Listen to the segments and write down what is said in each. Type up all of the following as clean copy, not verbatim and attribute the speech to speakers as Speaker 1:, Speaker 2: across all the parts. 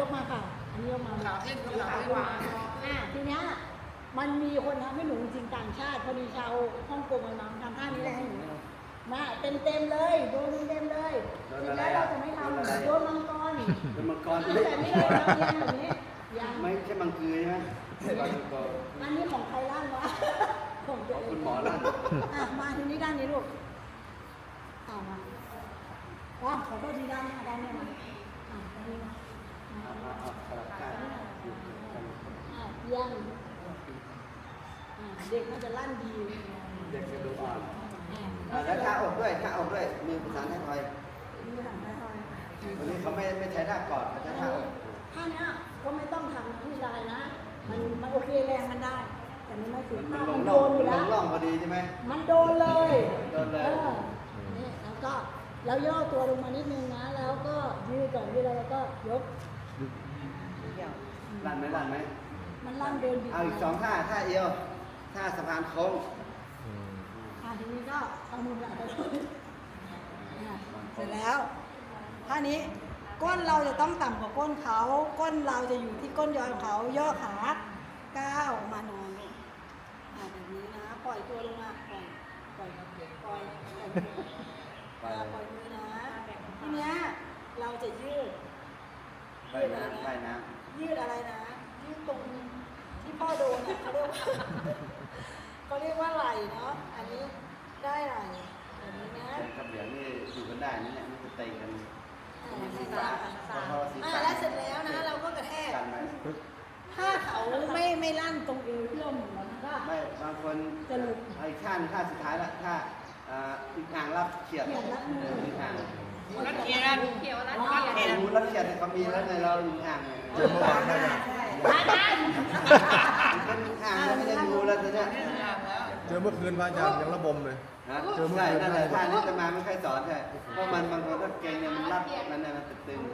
Speaker 1: กมาค่ะอันนี้ยกมา
Speaker 2: ขาขึ้นขาไม่วาง
Speaker 1: ทีเนี้ยมันมีคนทำให้หนูจริงต่างชาติพอดีชาวฮ่องกงมาทำท่านี้เลยให้หนูมาเต็มเลยโดนเต็มเลยเสร็จแล้วเราจะไม่ทำโดนมังกร
Speaker 3: เป็นมังกร
Speaker 1: แต่ไม่ได้ทำยังแบบนี้ยัง
Speaker 3: ไม่ใช่มังคือใช่ไหมมังกร
Speaker 1: อันนี้ของใครล่างวะของตัวเอง
Speaker 3: คุณหมอลั่น
Speaker 1: มาทีนี้ด้านนี้ลูกมาขอโทษทีด้านนี้มาด้านนี้มาด้านนี้มา
Speaker 3: สลับกัน
Speaker 1: ยังเด็กมันจะลั่นดี
Speaker 3: เด็กกระดูกอ่อนแล้วท่าอกด้วยท่าอกด้วยมือประสานให้คอยวันนี้เขาไม่ใช้ท่ากอดเขาใช้ท่าอก
Speaker 1: ท่านี้ก็ไม่ต้องทำผู้ชายนะมันโอเคแรงมันได้ แต่มันไม่ถึง
Speaker 3: มัน
Speaker 1: มัน
Speaker 3: ล
Speaker 1: โด
Speaker 3: ง
Speaker 1: นอยู่แล้ว
Speaker 3: ร่องพอดีใช่ไหม
Speaker 1: มันโดนเลย
Speaker 3: โดนเลย
Speaker 1: นี่แล้วก็แล้วย่อตัวลงมานิดนึงนะแล้วก็ยืดก่อนยืดแล้วก็ยก
Speaker 3: ลั่นไหมลั่นไหม
Speaker 1: มันลั่นเดินดี
Speaker 3: เอาอีก2ท่าท่าเอวท่าสะพานโค้ง
Speaker 1: ทีนี้ก็เอามือแบบไปเสร็จแล้วท่านี้ก้นเราจะต้องต่ำกว่าก้นเขาก้นเราจะอยู่ที่ก้นยอยของเขาย่อขาก้าวมานอนแบบนี้นะปล่อยตัวลงมาปล่อยมือนะทีเนี้ยเราจะยืด
Speaker 3: ไปน้ำไปน้
Speaker 1: ยืดอะไรนะยืดตรงที่พ่อโดนเขาเรียกว่าเขาเรียกว่าไหล่เนาะอันนี้ได้ไหล่แบบนี้นะ
Speaker 3: ำกับเหลียงนี่อยู่กันได้นี่เนี่ยมันจะเตะกัน
Speaker 1: แล้วเสร็จแล้วนะเราก็กระแทก
Speaker 3: กันไหม
Speaker 1: ถ้าเขาไม่ลั่นตรงเอวที่เราหมุนมันก็
Speaker 3: ไม่บางคนไอ้ข้างท่าสุดท้ายละท่าอีกอ่างรับเขียดอีกอ่าง
Speaker 2: รัดเขียนเขียวรัดเขียน
Speaker 3: รู้รับเขียดเขามีแล้วในเราอีกอ่าง
Speaker 4: เจอเมื่อวานได้ยัง
Speaker 3: เป็นอ่างไม่ได้ดูแล้วตอนนี้
Speaker 4: เจอเมื่อคืนพระอาจารย์ยังระบมเลย
Speaker 3: นะใช่นั่นแหละท่านี้จะมาไม่ค่อยสอนใช่เพราะมันบางคนถ้าเก่งเนี่ยมันรับมันเนี่ยมันตึง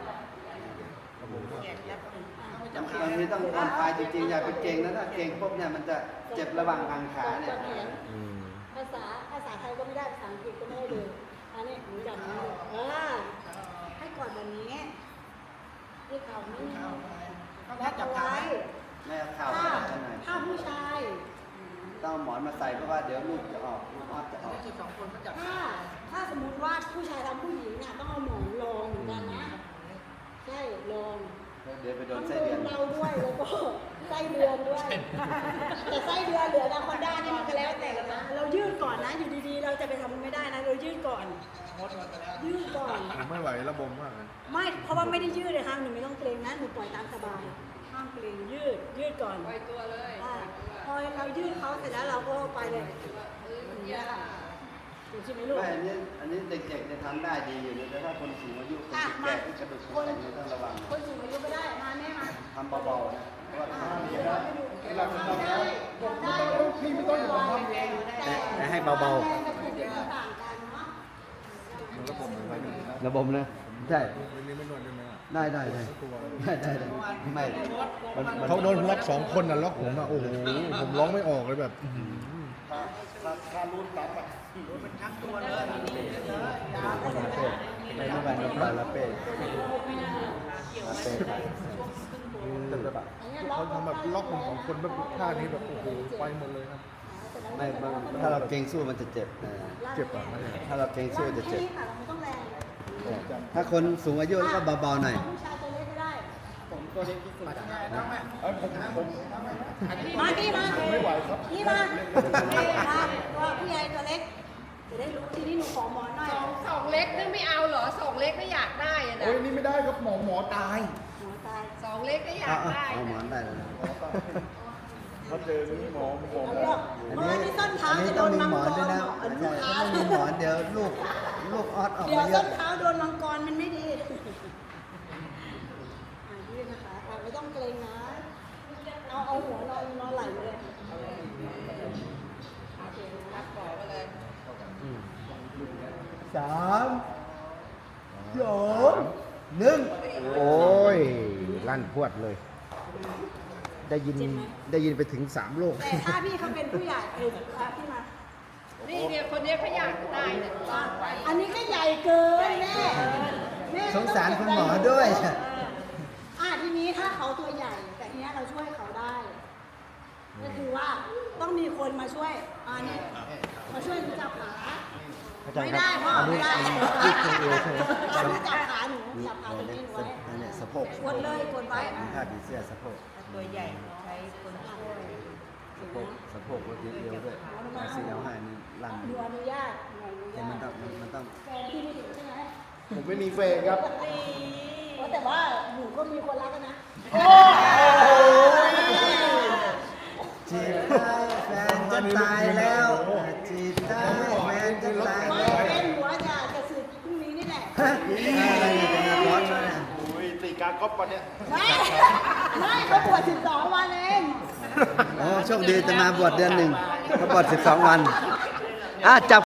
Speaker 3: บางทีต้องออนไฟจริงๆอย่าไปเก่งนะถ้าเก่งปุ๊บเนี่ยมันจะเจ็บระหว่างกางขาเนี่ย
Speaker 1: ภาษาไทยก็ไม่ได้ภาษาอังกฤษก็ไม่ได้เลยอันนี้หนูจับนี้ให้กอดแบบนี้ที่เข่านี่แล้วเอาไว้
Speaker 3: ไม่เอาเข่า
Speaker 1: ถ้าผู้ชาย
Speaker 3: ต้องหมอนมาใส่เพราะว่าเดี๋ยวลูกจะออกลูกออดจะออก
Speaker 1: ถ้าสมมุติว่าผู้ชายทำผู้หญิงเนี่ยต้องเอาหมอนรองเหมือนกันนะใช่รอง
Speaker 3: เดี๋ยวไปโด
Speaker 1: ต้อน ง
Speaker 3: ไส้
Speaker 1: โด
Speaker 3: เดือน
Speaker 1: นเราด้วยแล้วก็ไส้เดือนด้วยแต่ไส้เดือนเหลือนาคอนด้านี่มันก็แล้วแต่นะเรายืดก่อนนะอยู่ดีๆเราจะไปทำมันไม่ได้นะเรายืดก่อนยืดก่อน
Speaker 4: ผมไม่ไหวระบมมากเลย
Speaker 1: ไม่เพราะว่าไม่ได้ยืดเลยค่ะหนูไม่ต้องเกรงนะหนูปล่อยตามสบายห้ามเกรงยืดก่อน
Speaker 2: ปล่อยตัวเลย
Speaker 1: พอเรายืดเขาเสร็จแล้วเราก็ไปเลยอย่างนี้ค่ะถูกใช่ไหมลูก
Speaker 3: ไม่อันนี้เด็กๆจะทำได้ดีอยู่แต่ถ้าคนสูงอายุคนแก่ที่กระดูกแข็งเนี่ยต้องระวัง
Speaker 1: คนสูงอายุไม่ได้มาแม่มา
Speaker 3: ทำเบาๆนะเพราะว่า
Speaker 1: ได้พี่ไม่ต้องทำเองแต่ให้เบาๆต่างกันเนาะ
Speaker 4: มันระบมเลยพระอาจารย์
Speaker 3: ระบมเลยใช่
Speaker 4: วันนี้ไม่นวดได้ไหมอ่ะ
Speaker 3: ได้ไม่
Speaker 4: เขาโดนล็อก2 คนน่ะล็อกผมอ่ะโอ้โหผมร้องไม่ออกเลยแบบ
Speaker 3: ไม่รู้วันนี้ปลาละเป้
Speaker 4: แต่แบบเขาทำแบบล็อกผม2 คนแบบท่านี้แบบโอ้โหไปหมดเลยครับ
Speaker 3: ไม่ถ้าเราเก่งสู้มันจะเจ็บ
Speaker 4: เจ็บอ่ะไม่ใช่
Speaker 3: ถ้าเราเก่งสู้จะเจ็บ
Speaker 1: แค่นี้ค่ะเราไม่ต้องแรง
Speaker 3: ถ้าคนสูงอายุก็เบาๆหน่อย
Speaker 1: ผู้ชายตัวเล็กก็ได้
Speaker 4: ผม
Speaker 1: มาพี่มา
Speaker 4: ไม่ไหวครับ
Speaker 1: พี่มาตัวผู้ใหญ่ตัวเล็กจะได้รู้ทีนี้หนูขอหมอนหน่อย
Speaker 2: สองเล็กนี่ไม่เอาเหรอสองเล็กก็อยากได้อะนะ
Speaker 4: โอ้ยนี่ไม่ได้ครับหมอตาย
Speaker 1: หมอตาย
Speaker 2: สองเล็กก็อยากได้
Speaker 3: เอาหมอนได้แล้วนะ
Speaker 4: เขาเจอนี่หมอ
Speaker 1: เอาเลือกเพราะว่าที่ส้นเท้า
Speaker 3: อันนี้
Speaker 1: จะโด
Speaker 3: ต้อง
Speaker 1: น
Speaker 3: มี
Speaker 1: มัง
Speaker 3: หม
Speaker 1: ก
Speaker 3: อน
Speaker 1: ร
Speaker 3: ด้วยนะ
Speaker 1: อัน
Speaker 3: ใช่
Speaker 1: ลูกค้า
Speaker 3: ถ้าไม่มีหมอนเดี๋ยวลูกออดออก
Speaker 1: เดี๋ยว
Speaker 3: มาเย
Speaker 1: ส้
Speaker 3: อะ
Speaker 1: นเท้าโดนมังกรมันไม่ดียืดนะคะไม่ต้องเกรงนะเอาหัวนอนไหลเลย
Speaker 2: รับขอไปเลย
Speaker 3: 3 2 1
Speaker 5: โอ้ยลั่นพวดเลย ได้ยินไปถึง3 โลก
Speaker 1: แต่ถ้าพี่เขาเป็นผู้ใหญ่พี่มา
Speaker 2: นี่เนี่ยคนนี้เขาอยากได้เนี่ย
Speaker 1: อันนี้ก็ใหญ่เกินแม่
Speaker 3: สงสารคุณหมอด้วย
Speaker 1: ทีนี้ว่าต้องมีคนมาช่วยนี่มาช่วยหนูจับขา
Speaker 5: อาจาร
Speaker 1: ไม่
Speaker 5: ย์ค
Speaker 1: ได้
Speaker 5: รับ
Speaker 1: พ่อ
Speaker 5: อัน
Speaker 1: ไม่
Speaker 5: นี้
Speaker 1: ได้
Speaker 5: อันนี้ยืดตรงเอวใช่ไหม
Speaker 1: ช่วยจับขาหนูจับขาตรงนี้หนูไว้
Speaker 3: อันนี้สะโพก
Speaker 1: กดเลยกดไว้
Speaker 3: ผ้าผีเสื้อสะโพก
Speaker 2: ตัวใหญ่ใช้คนช่วย
Speaker 3: สะโพกก็ยืดเอวด้วยเอา4เอา5นี่ลั่น
Speaker 1: หนูอนุญาตหนูอนุ
Speaker 3: แต่
Speaker 1: ญา
Speaker 3: มัน
Speaker 1: ต
Speaker 3: ต้อง
Speaker 1: แฟนพี่ไม่ถึงใช่ไหม
Speaker 4: ผมไม่มีเฟนครับ
Speaker 1: แต่ว่าหนูก็มีคนรักนะ
Speaker 3: จีบได้แฟนจะตายแล้วจีบได้แฟนจะตาย
Speaker 1: ไม่
Speaker 3: แล้ว
Speaker 1: เป็นหัวจะสึกพรุ่งนี้นี่แหละ
Speaker 3: อะไรเนี่ยเป็นนักร้องแล้วเนี่ย
Speaker 4: โอ้ยตีการก๊อปปะเนี่ย
Speaker 1: ไม่เขาบวช12 วันเอง
Speaker 3: โอ้โชคดีจะมาบวชเดือนหนึ่งเขาบวช12 วันจับ